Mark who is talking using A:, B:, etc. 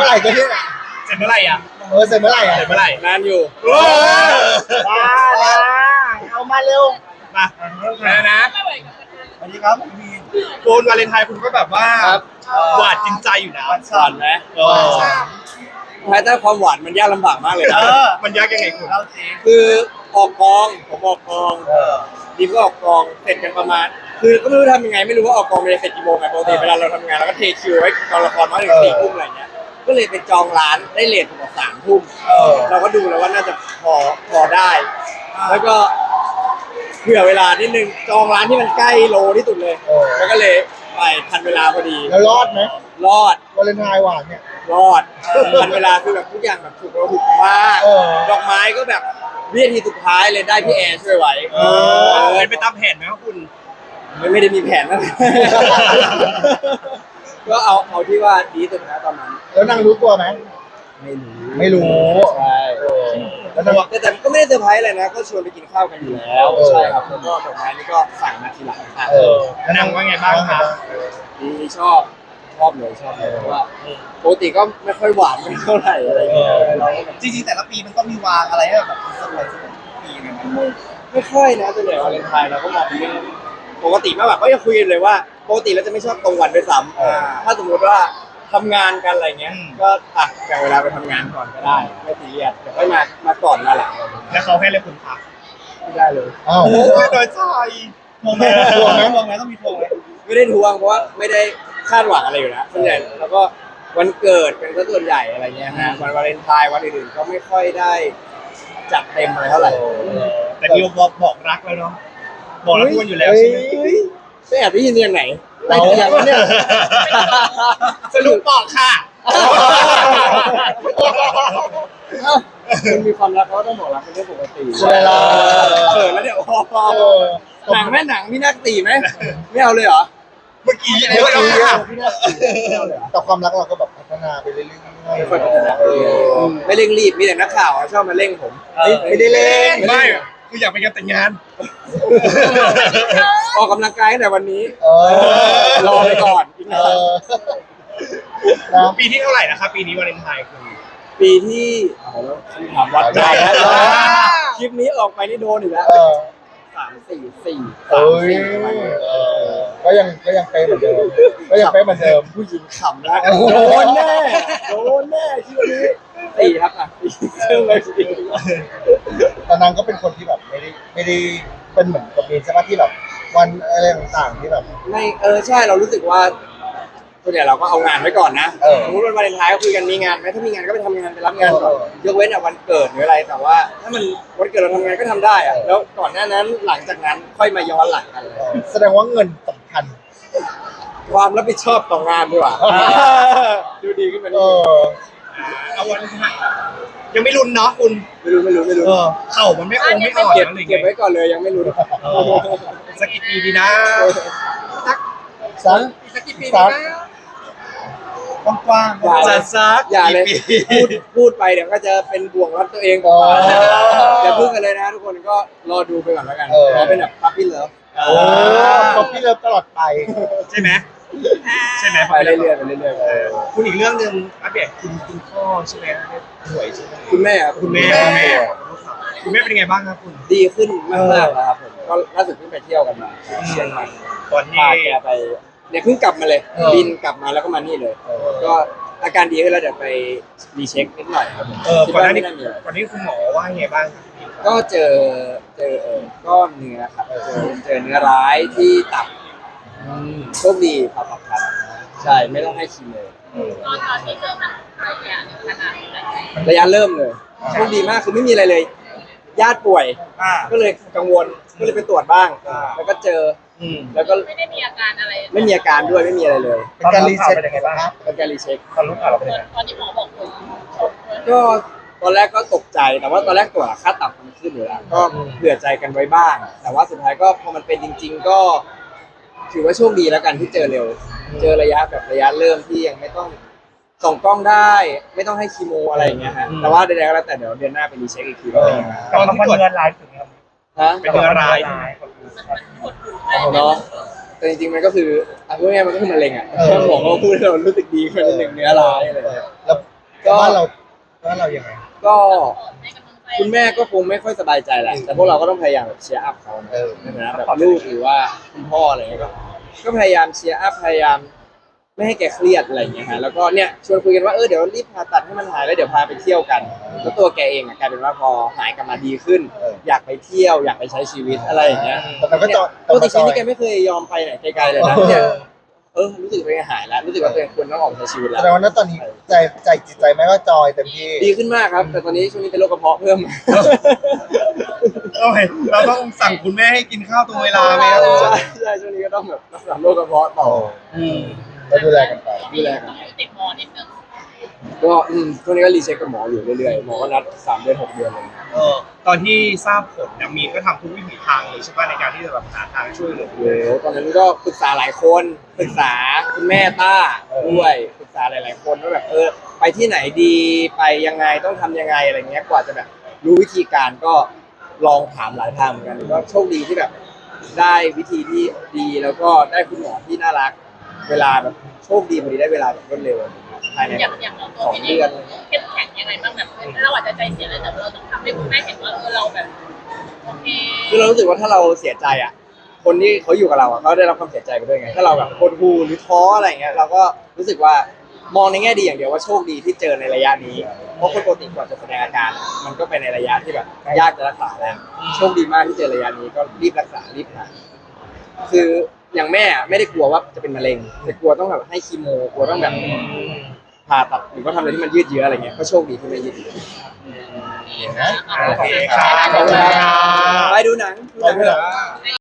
A: มื่อไหร่ก็เนี่ย
B: เสร็จเมื่อไหร่อ่ะ
A: เสร็จเมื่อไหร่อ่ะ
B: เสร็จเมื่อไหร่
C: นานอยู่
A: บ้านะเอามาเร็ว
B: มาแล้วนะ
A: สวัสดีครับพี่
B: คุณวาเลนไทน์คุณก็แบบว่า
C: ครับ
B: หวานจริงใจอยู่นะ
C: หวานไหม แม้แต่ความหวานมันยากลำบากมากเลยนะ
B: มันยากยังไงคุณ
C: คือออกกองผมออกกองดีมก็ออกกองเสร็จกันประมาณ คือก็ไม่รู้ทำยังไงไม่รู้ว่าออกกองมันจะเสร็จกี่โมงไงปกติเวลาเราทำงานเราก็เทคิวไว้กองละครมาถึง4 ทุ่มอะไรเงี้ยก็เลยไปจองร้านได้เลทถึง3 ทุ่มเราก็ดูแล้วว่าน่าจะพอได้ แล้วก็เผื่อเวลานิดนึงจองร้านที่มันใกล้โลที่สุดเลยแล้วก็เลยไปทันเวลาพอดี
A: แล้วรอดไหม
C: รอด
A: วาเลนไทน์หวานเนี่ย
C: รอดทันเวลาคือแบบทุกอย่างแบบถูกมาก
A: เออ
C: ดอกไม้ก็แบบวินาทีสุดท้ายเลยได้พี่แอร์ช่วยไว้
B: เป็นไปตามแผนไหมครับคุณ
C: ไม่ได้มีแผนนะ ก็เอาที่ว่าดีสุดนะตอนนั้น
A: แล้วนางรู้ตัวไหม
C: ไม่รู้
A: ไม่รู้
C: ใช่
A: แล้วนาง
C: แต่ก็ไม่ได้เซอร์ไพรส์อะไรนะก็ชวนไปกินข้าวกันอยู่แล้วใช่ครับแล้วก็ดอกไม้นี่ก็สั่งมาทีหลังค่ะ
B: แล้วนางว่าไงบ้างครับ
C: ดีชอบเลยเพราะว่าปกติก็ไม่ค่อยหวานไม่เท่าไหร่อะไรเงี้ยเราก็แบบ
A: จริงๆแต่ละปีมันก็มีวางอะไรให้แบบเซอร์ไพรส์ปีนะ
C: ไม่ค่อยนะส่วนใหญ่วาเลนไทน์เราก็มองเป็นเรื่องปกติมากแบบก็ยังคุยกันเลยว่าปกติเราจะไม่ชอบตรงวันด้วยซ้ำถ้าสมมติว่าทำงานกันอะไรเงี้ยก็แบ่งเวลาไปทำงานก่อนก็ได้ไม่ซีเรียสเดี๋ยวค่อยมาก่อนมาหลัง
B: แล้วเขาให้เลยคุณพัก
C: ไม่ได้เลย
A: อ้าว
B: โอ้ยโดยใจมองไหม
A: ทวงไหมต้องมีทวงไหม
C: ไม่ได้ทวงเพราะว่าไม่ได้คาดหวังอะไรอยู่แล้วส่วนใหญ่แล้วก็วันเกิดเป็นส่วนใหญ่อะไรเงี้ยฮะวันวาเลนไทน์วันอื่นๆก็ไม่ค่อยได้จัดเต็มอะไรเท่าไหร่
B: แต่ดิวบอกรักแล้วเนาะบอกรักคุณอยู่แล้วใช่ไหม
C: ไม่แอบได้ยินยังไหนได้ยินยังเนี่ย
B: สรุปบอกค่ะ
C: คนมีความรักเขาก็ต้องบอกรักเป็นเรื่องปกติ
A: ใช่แล้ว
C: เขินแล้วเดี๋ยวหนังแม่หนังพี่นักตีไหมไม่เอาเลยเหรอ
B: เมื่อกี้เยอะแล้วค่ะ
A: แต่ความรักเราก็แบบพัฒนาไปเรื่อยๆ
C: ไม่ค่อยพัฒนาไม่เร่งรีบมีแต่นักข่าวชอบมาเร่งผม
A: ไม่ได้เล่น
B: ไม่คืออยากไปงานแต่งงาน
C: ออกกำลังกายตั้งแต่วันนี้ รอไปก่อนอีกห
A: เอ
C: น่อย
A: อนะ
B: ปีที่เท่าไหร่นะครับปีนี้วาเลนไทน์คือ
C: ปีที่ถามวัดได้แล้วคลิปนี้ออกไปนี่โดนอีกแล้ว
A: เออ
C: 3 4 4
A: เอ้ยก็ยังเป๊ะเหมือนเดิมก็ยังเป๊ะเหมือนเดิม
C: ผู้หญิงขำแล้วโดนแน่คลิปนี้4ครับเชื่อเลย4
A: แต่นางก็เป็นคนที่แบบไม่ได้เป็นเหมือนกับมีนใช่ไหมที่แบบวันอะไรต่างๆที่แบบ
C: ไม่ใช่เรารู้สึกว่าส่วนใหญ่เราก็เอางานไว้ก่อนนะสมมติวันวาเลนไทน์ก็คุยกันมีงานไหมถ้ามีงานก็ไปทำงานไปรับงานก่อนยกเว้นวันเกิดหรืออะไรแต่ว่า ถ้ามันวันเกิดเราทำงานก็ทำได้อะแล้วก่อนหน้านั้นหลังจากนั้นค่อยมาย้อนหลังกันเลย
A: แสดงว่าเงินสำคัญ
C: ความรับผิดชอบต่องานดีกว่าดูดีขึ้นมา
A: เอ
C: นิดนึง
A: อ
B: เอาวันไทน์ยังไม่รุนเนาะคุณ
C: ไม่รู้
B: เข่ามันไม่องไม่อ่อน
C: เก็บ
B: อะไรอย่าง
C: เก็บ
B: เงี้ย
C: ไว้ก่อนเลยยังไม่รู้
B: สักกี่ปีดีนะ
A: สัก
B: สักกี่ปี
A: สัก
B: นะ
A: กว้าง
B: จะซัก
C: อย่าเลย
B: กี่ปี
C: พูดไปเดี๋ยวก็จะเป็นบ่วงรัดตัวเองก่อนอย่าพึ่งกันเลยนะทุกคนก็รอดูไปก่อนแล้วกันรอเป็นแบบพับพี่เลิฟ
A: โอ้ป๊อปปี้เลิฟตลอดไป
B: ใช่ไหมใช่ไหม
C: ไปเรื่อยๆไปเรื่อยๆ
B: คุณอีกเรื่องหนึ่งอัปเดตคุณพ่อใช่ไหมป่วยใช่ไหม
C: คุณแม่ครับ
B: คุณแม่เป็นยังไงบ้างครับคุณ
C: ดีขึ้นมากๆแล้วครับผมก็ล่าสุดเพิ่งไปเที่ยวกันมาเชียงใหม่
B: ตอนที่
C: พาแกไปเนี่ยเพิ่งกลับมาเลยบินกลับมาแล้วก็มานี่เลย ก็อาการดีขึ้นแล้วเดี๋ยวไปรีเช็คนิดหน่อยครับผมคิด
B: ก่อนห
C: ว่า
B: น้านี้
C: ไม่น่ามีอะไร
B: ก่อนนี้คุณหมอว่าไงบ้างครับ
C: ก็เจอก้อนเนื้อครับเจอเนื้อร้ายที่ตับโชคดีผ่าตัดทันใช่ไม่ต้องให้คีโม
D: ตอนที่เจอมันระยะขนาดไหน
C: ระยะเริ่มเลยโชคดีมากคือไม่มีอะไรเลย ญาติป่วยก็เลยกังวลก็เลยไปตรวจบ้าง แล้วก็เจอแล้วก็
D: ไม่ได้มีอาการอะไร
C: ไม่มีอาการด้วยไม่มีอะไรเลย
A: เป็นการรีเซ็ตยังไงบ้างครับ
C: เป็นการรีเช็ค
B: ตอนรู้ข่าวเราเป็นยังไง
D: ตอนที่หมอบอกผม
C: ก็ตอนแรกก็ตกใจแต่ว่าตอนแรกตรวจค่าตับมันขึ้นอยู่แล้วก็เผื่อใจกันไว้บ้าง แต่ว่าสุดท้ายก็พอมันเป็นจริง ๆ ก็ ถือว่าโชคดีแล้วกันที่เจอเร็ว เจอระยะเริ่มที่ยังไม่ต้องส่องกล้องได้ ไม่ต้องให้คีโมอะไรอย่างเงี้ยฮะแต่ว่าใดๆก็แล้วแต่เดี๋ยวเดือนหน้าไปรีเช็คอีกทีว่าเป็นยังไง
B: ตอนที่ตรวจเนื้อร้ายถึงครับ
C: ฮะ
B: เป็นเนื้อร้าย
C: เนาะแต่จริงๆมันก็คือพูดง่ายๆมันก็คือมะเร็งอ่ะถ้าหมอเขาพูดให้เรารู้สึกดีขึ้นนิดนึงเนื้อร้ายอะไรอย่างเงี้ย
A: แล้วบ้านเรายังไง
C: ก็
D: ให้กำลังใจ
C: คุณแม่ก็คงไม่ค่อยสบายใจแหละแต่พวกเราก็ต้องพยายามแบบเชียร์อัพเขานะ
A: เออ
C: นะแบบลูกหรือว่าคุณพ่ออะไรเงี้ยก็พยายามเชียร์อัพพยายามไม่ให้แกเครียดอะไรอย่างเงี้ยฮะแล้วก็เนี่ยชวนคุยกันว่าเดี๋ยวรีบผ่าตัดให้มันหายแล้วเดี๋ยวพาไปเที่ยวกันแล้วตัวแกเองกลายเป็นว่าพอหายกลับมาดีขึ้น อยากไปเที่ยวอยากไปใช้ชีวิตอะไรอย่างเงี้ย
A: แต่มันก็จอย
C: ปกติชีวิตนี่แกไม่เคยยอมไปไหนไกลๆเลยนะเนี่ยรู้สึกเป็นไงหายแล้วรู้สึกว่าตัวเองควรต้องออกมาใช้ชีวิต
A: แส
C: แล้ว
A: ดงว่าณตอนนี้ใจจิตใจแม่ก็จอยเต็มที่
C: ดีขึ้นมากครับ แต่ตอนนี้ช่วงนี้เป็นโรคกระเพาะเพิ่ม
B: โอเคเราต้องสั่งคุณแม่ให้กินข้าวตรงเวลาไหมครับ
C: ใช่ช่วงนี้ก็ต้องแบบรักษาโรคกระเพาะต่อ
A: ก็ดูแลกันไป
C: ดูแลกัน
D: ต้องอยู่ติดหมอนิดนึง
C: ก็ช่วงนี้ก็รีเช็คกับหมออยู่เรื่อยๆหมอก็นัด3 เดือน 6 เดือนอะไรเลย
B: ตอนที่ทราบผลเนี่ยมีนก็ทำทุกวิถีทางเลยใช่ป่ะในการที่จะแบบหาทางช่วยเหลือ
C: โอ้โหตอนนั้นก็ปรึกษาหลายคนปรึกษาคุณแม่ต้าด้วยปรึกษาหลายๆคนว่าแบบไปที่ไหนดีไปยังไงต้องทำยังไงอะไรเงี้ยกว่าจะแบบรู้วิธีการก็ลองถามหลายทางเหมือนกันก็โชคดีที่แบบได้วิธีที่ดีแล้วก็ได้คุณหมอที่น่ารัก เวลาแบบโชคดีพอดีได้เวลาแบบรวดเร็วภายใน
D: อย่างเราตัว
C: 2
D: พี่เอ
C: เดื
D: ง
C: อน
D: เข้มแข็งยังไงบ้างแบบเราอาจจะใจเสียแล้วแต่เราต้องทำให้คุณแม่เห็นว่าเราแบบโอเค
C: คือเรารู้สึกว่าถ้าเราเสียใจอ่ะ คนที่เขาอยู่กับเราอ่ะเขาได้รับความเสียใจไปด้วยไง ถ้าเราแบบหดหู่หรือท้ออะไรเงี้ยเราก็รู้สึกว่ามองในแง่ดีอย่างเดียวว่าโชคดีที่เจอในระยะนี้ เพราะคนปกติกว่าจะแสดงอาการ มันก็เป็นในระยะที่แบบยากจะรักษาแล้วโชคดีมากที่เจอระยะนี้ก็รีบรักษารีบหายคืออย่างแม่อะไม่ได้กลัวว่าจะเป็นมะเร็งแต่กลัวต้องแบบให้คีโมกลัวต้องแบบผ่าตัดหรือว่าทำอะไรที่มันยืดเยื้ออะไรเงี้ยก็โชคดีที่ไม่ยืดเยื้อ
A: นะ
B: โอเคครับ
C: ขอบคุณครับไปดูหนัง
A: ขอบคุณครับ
C: เถอะ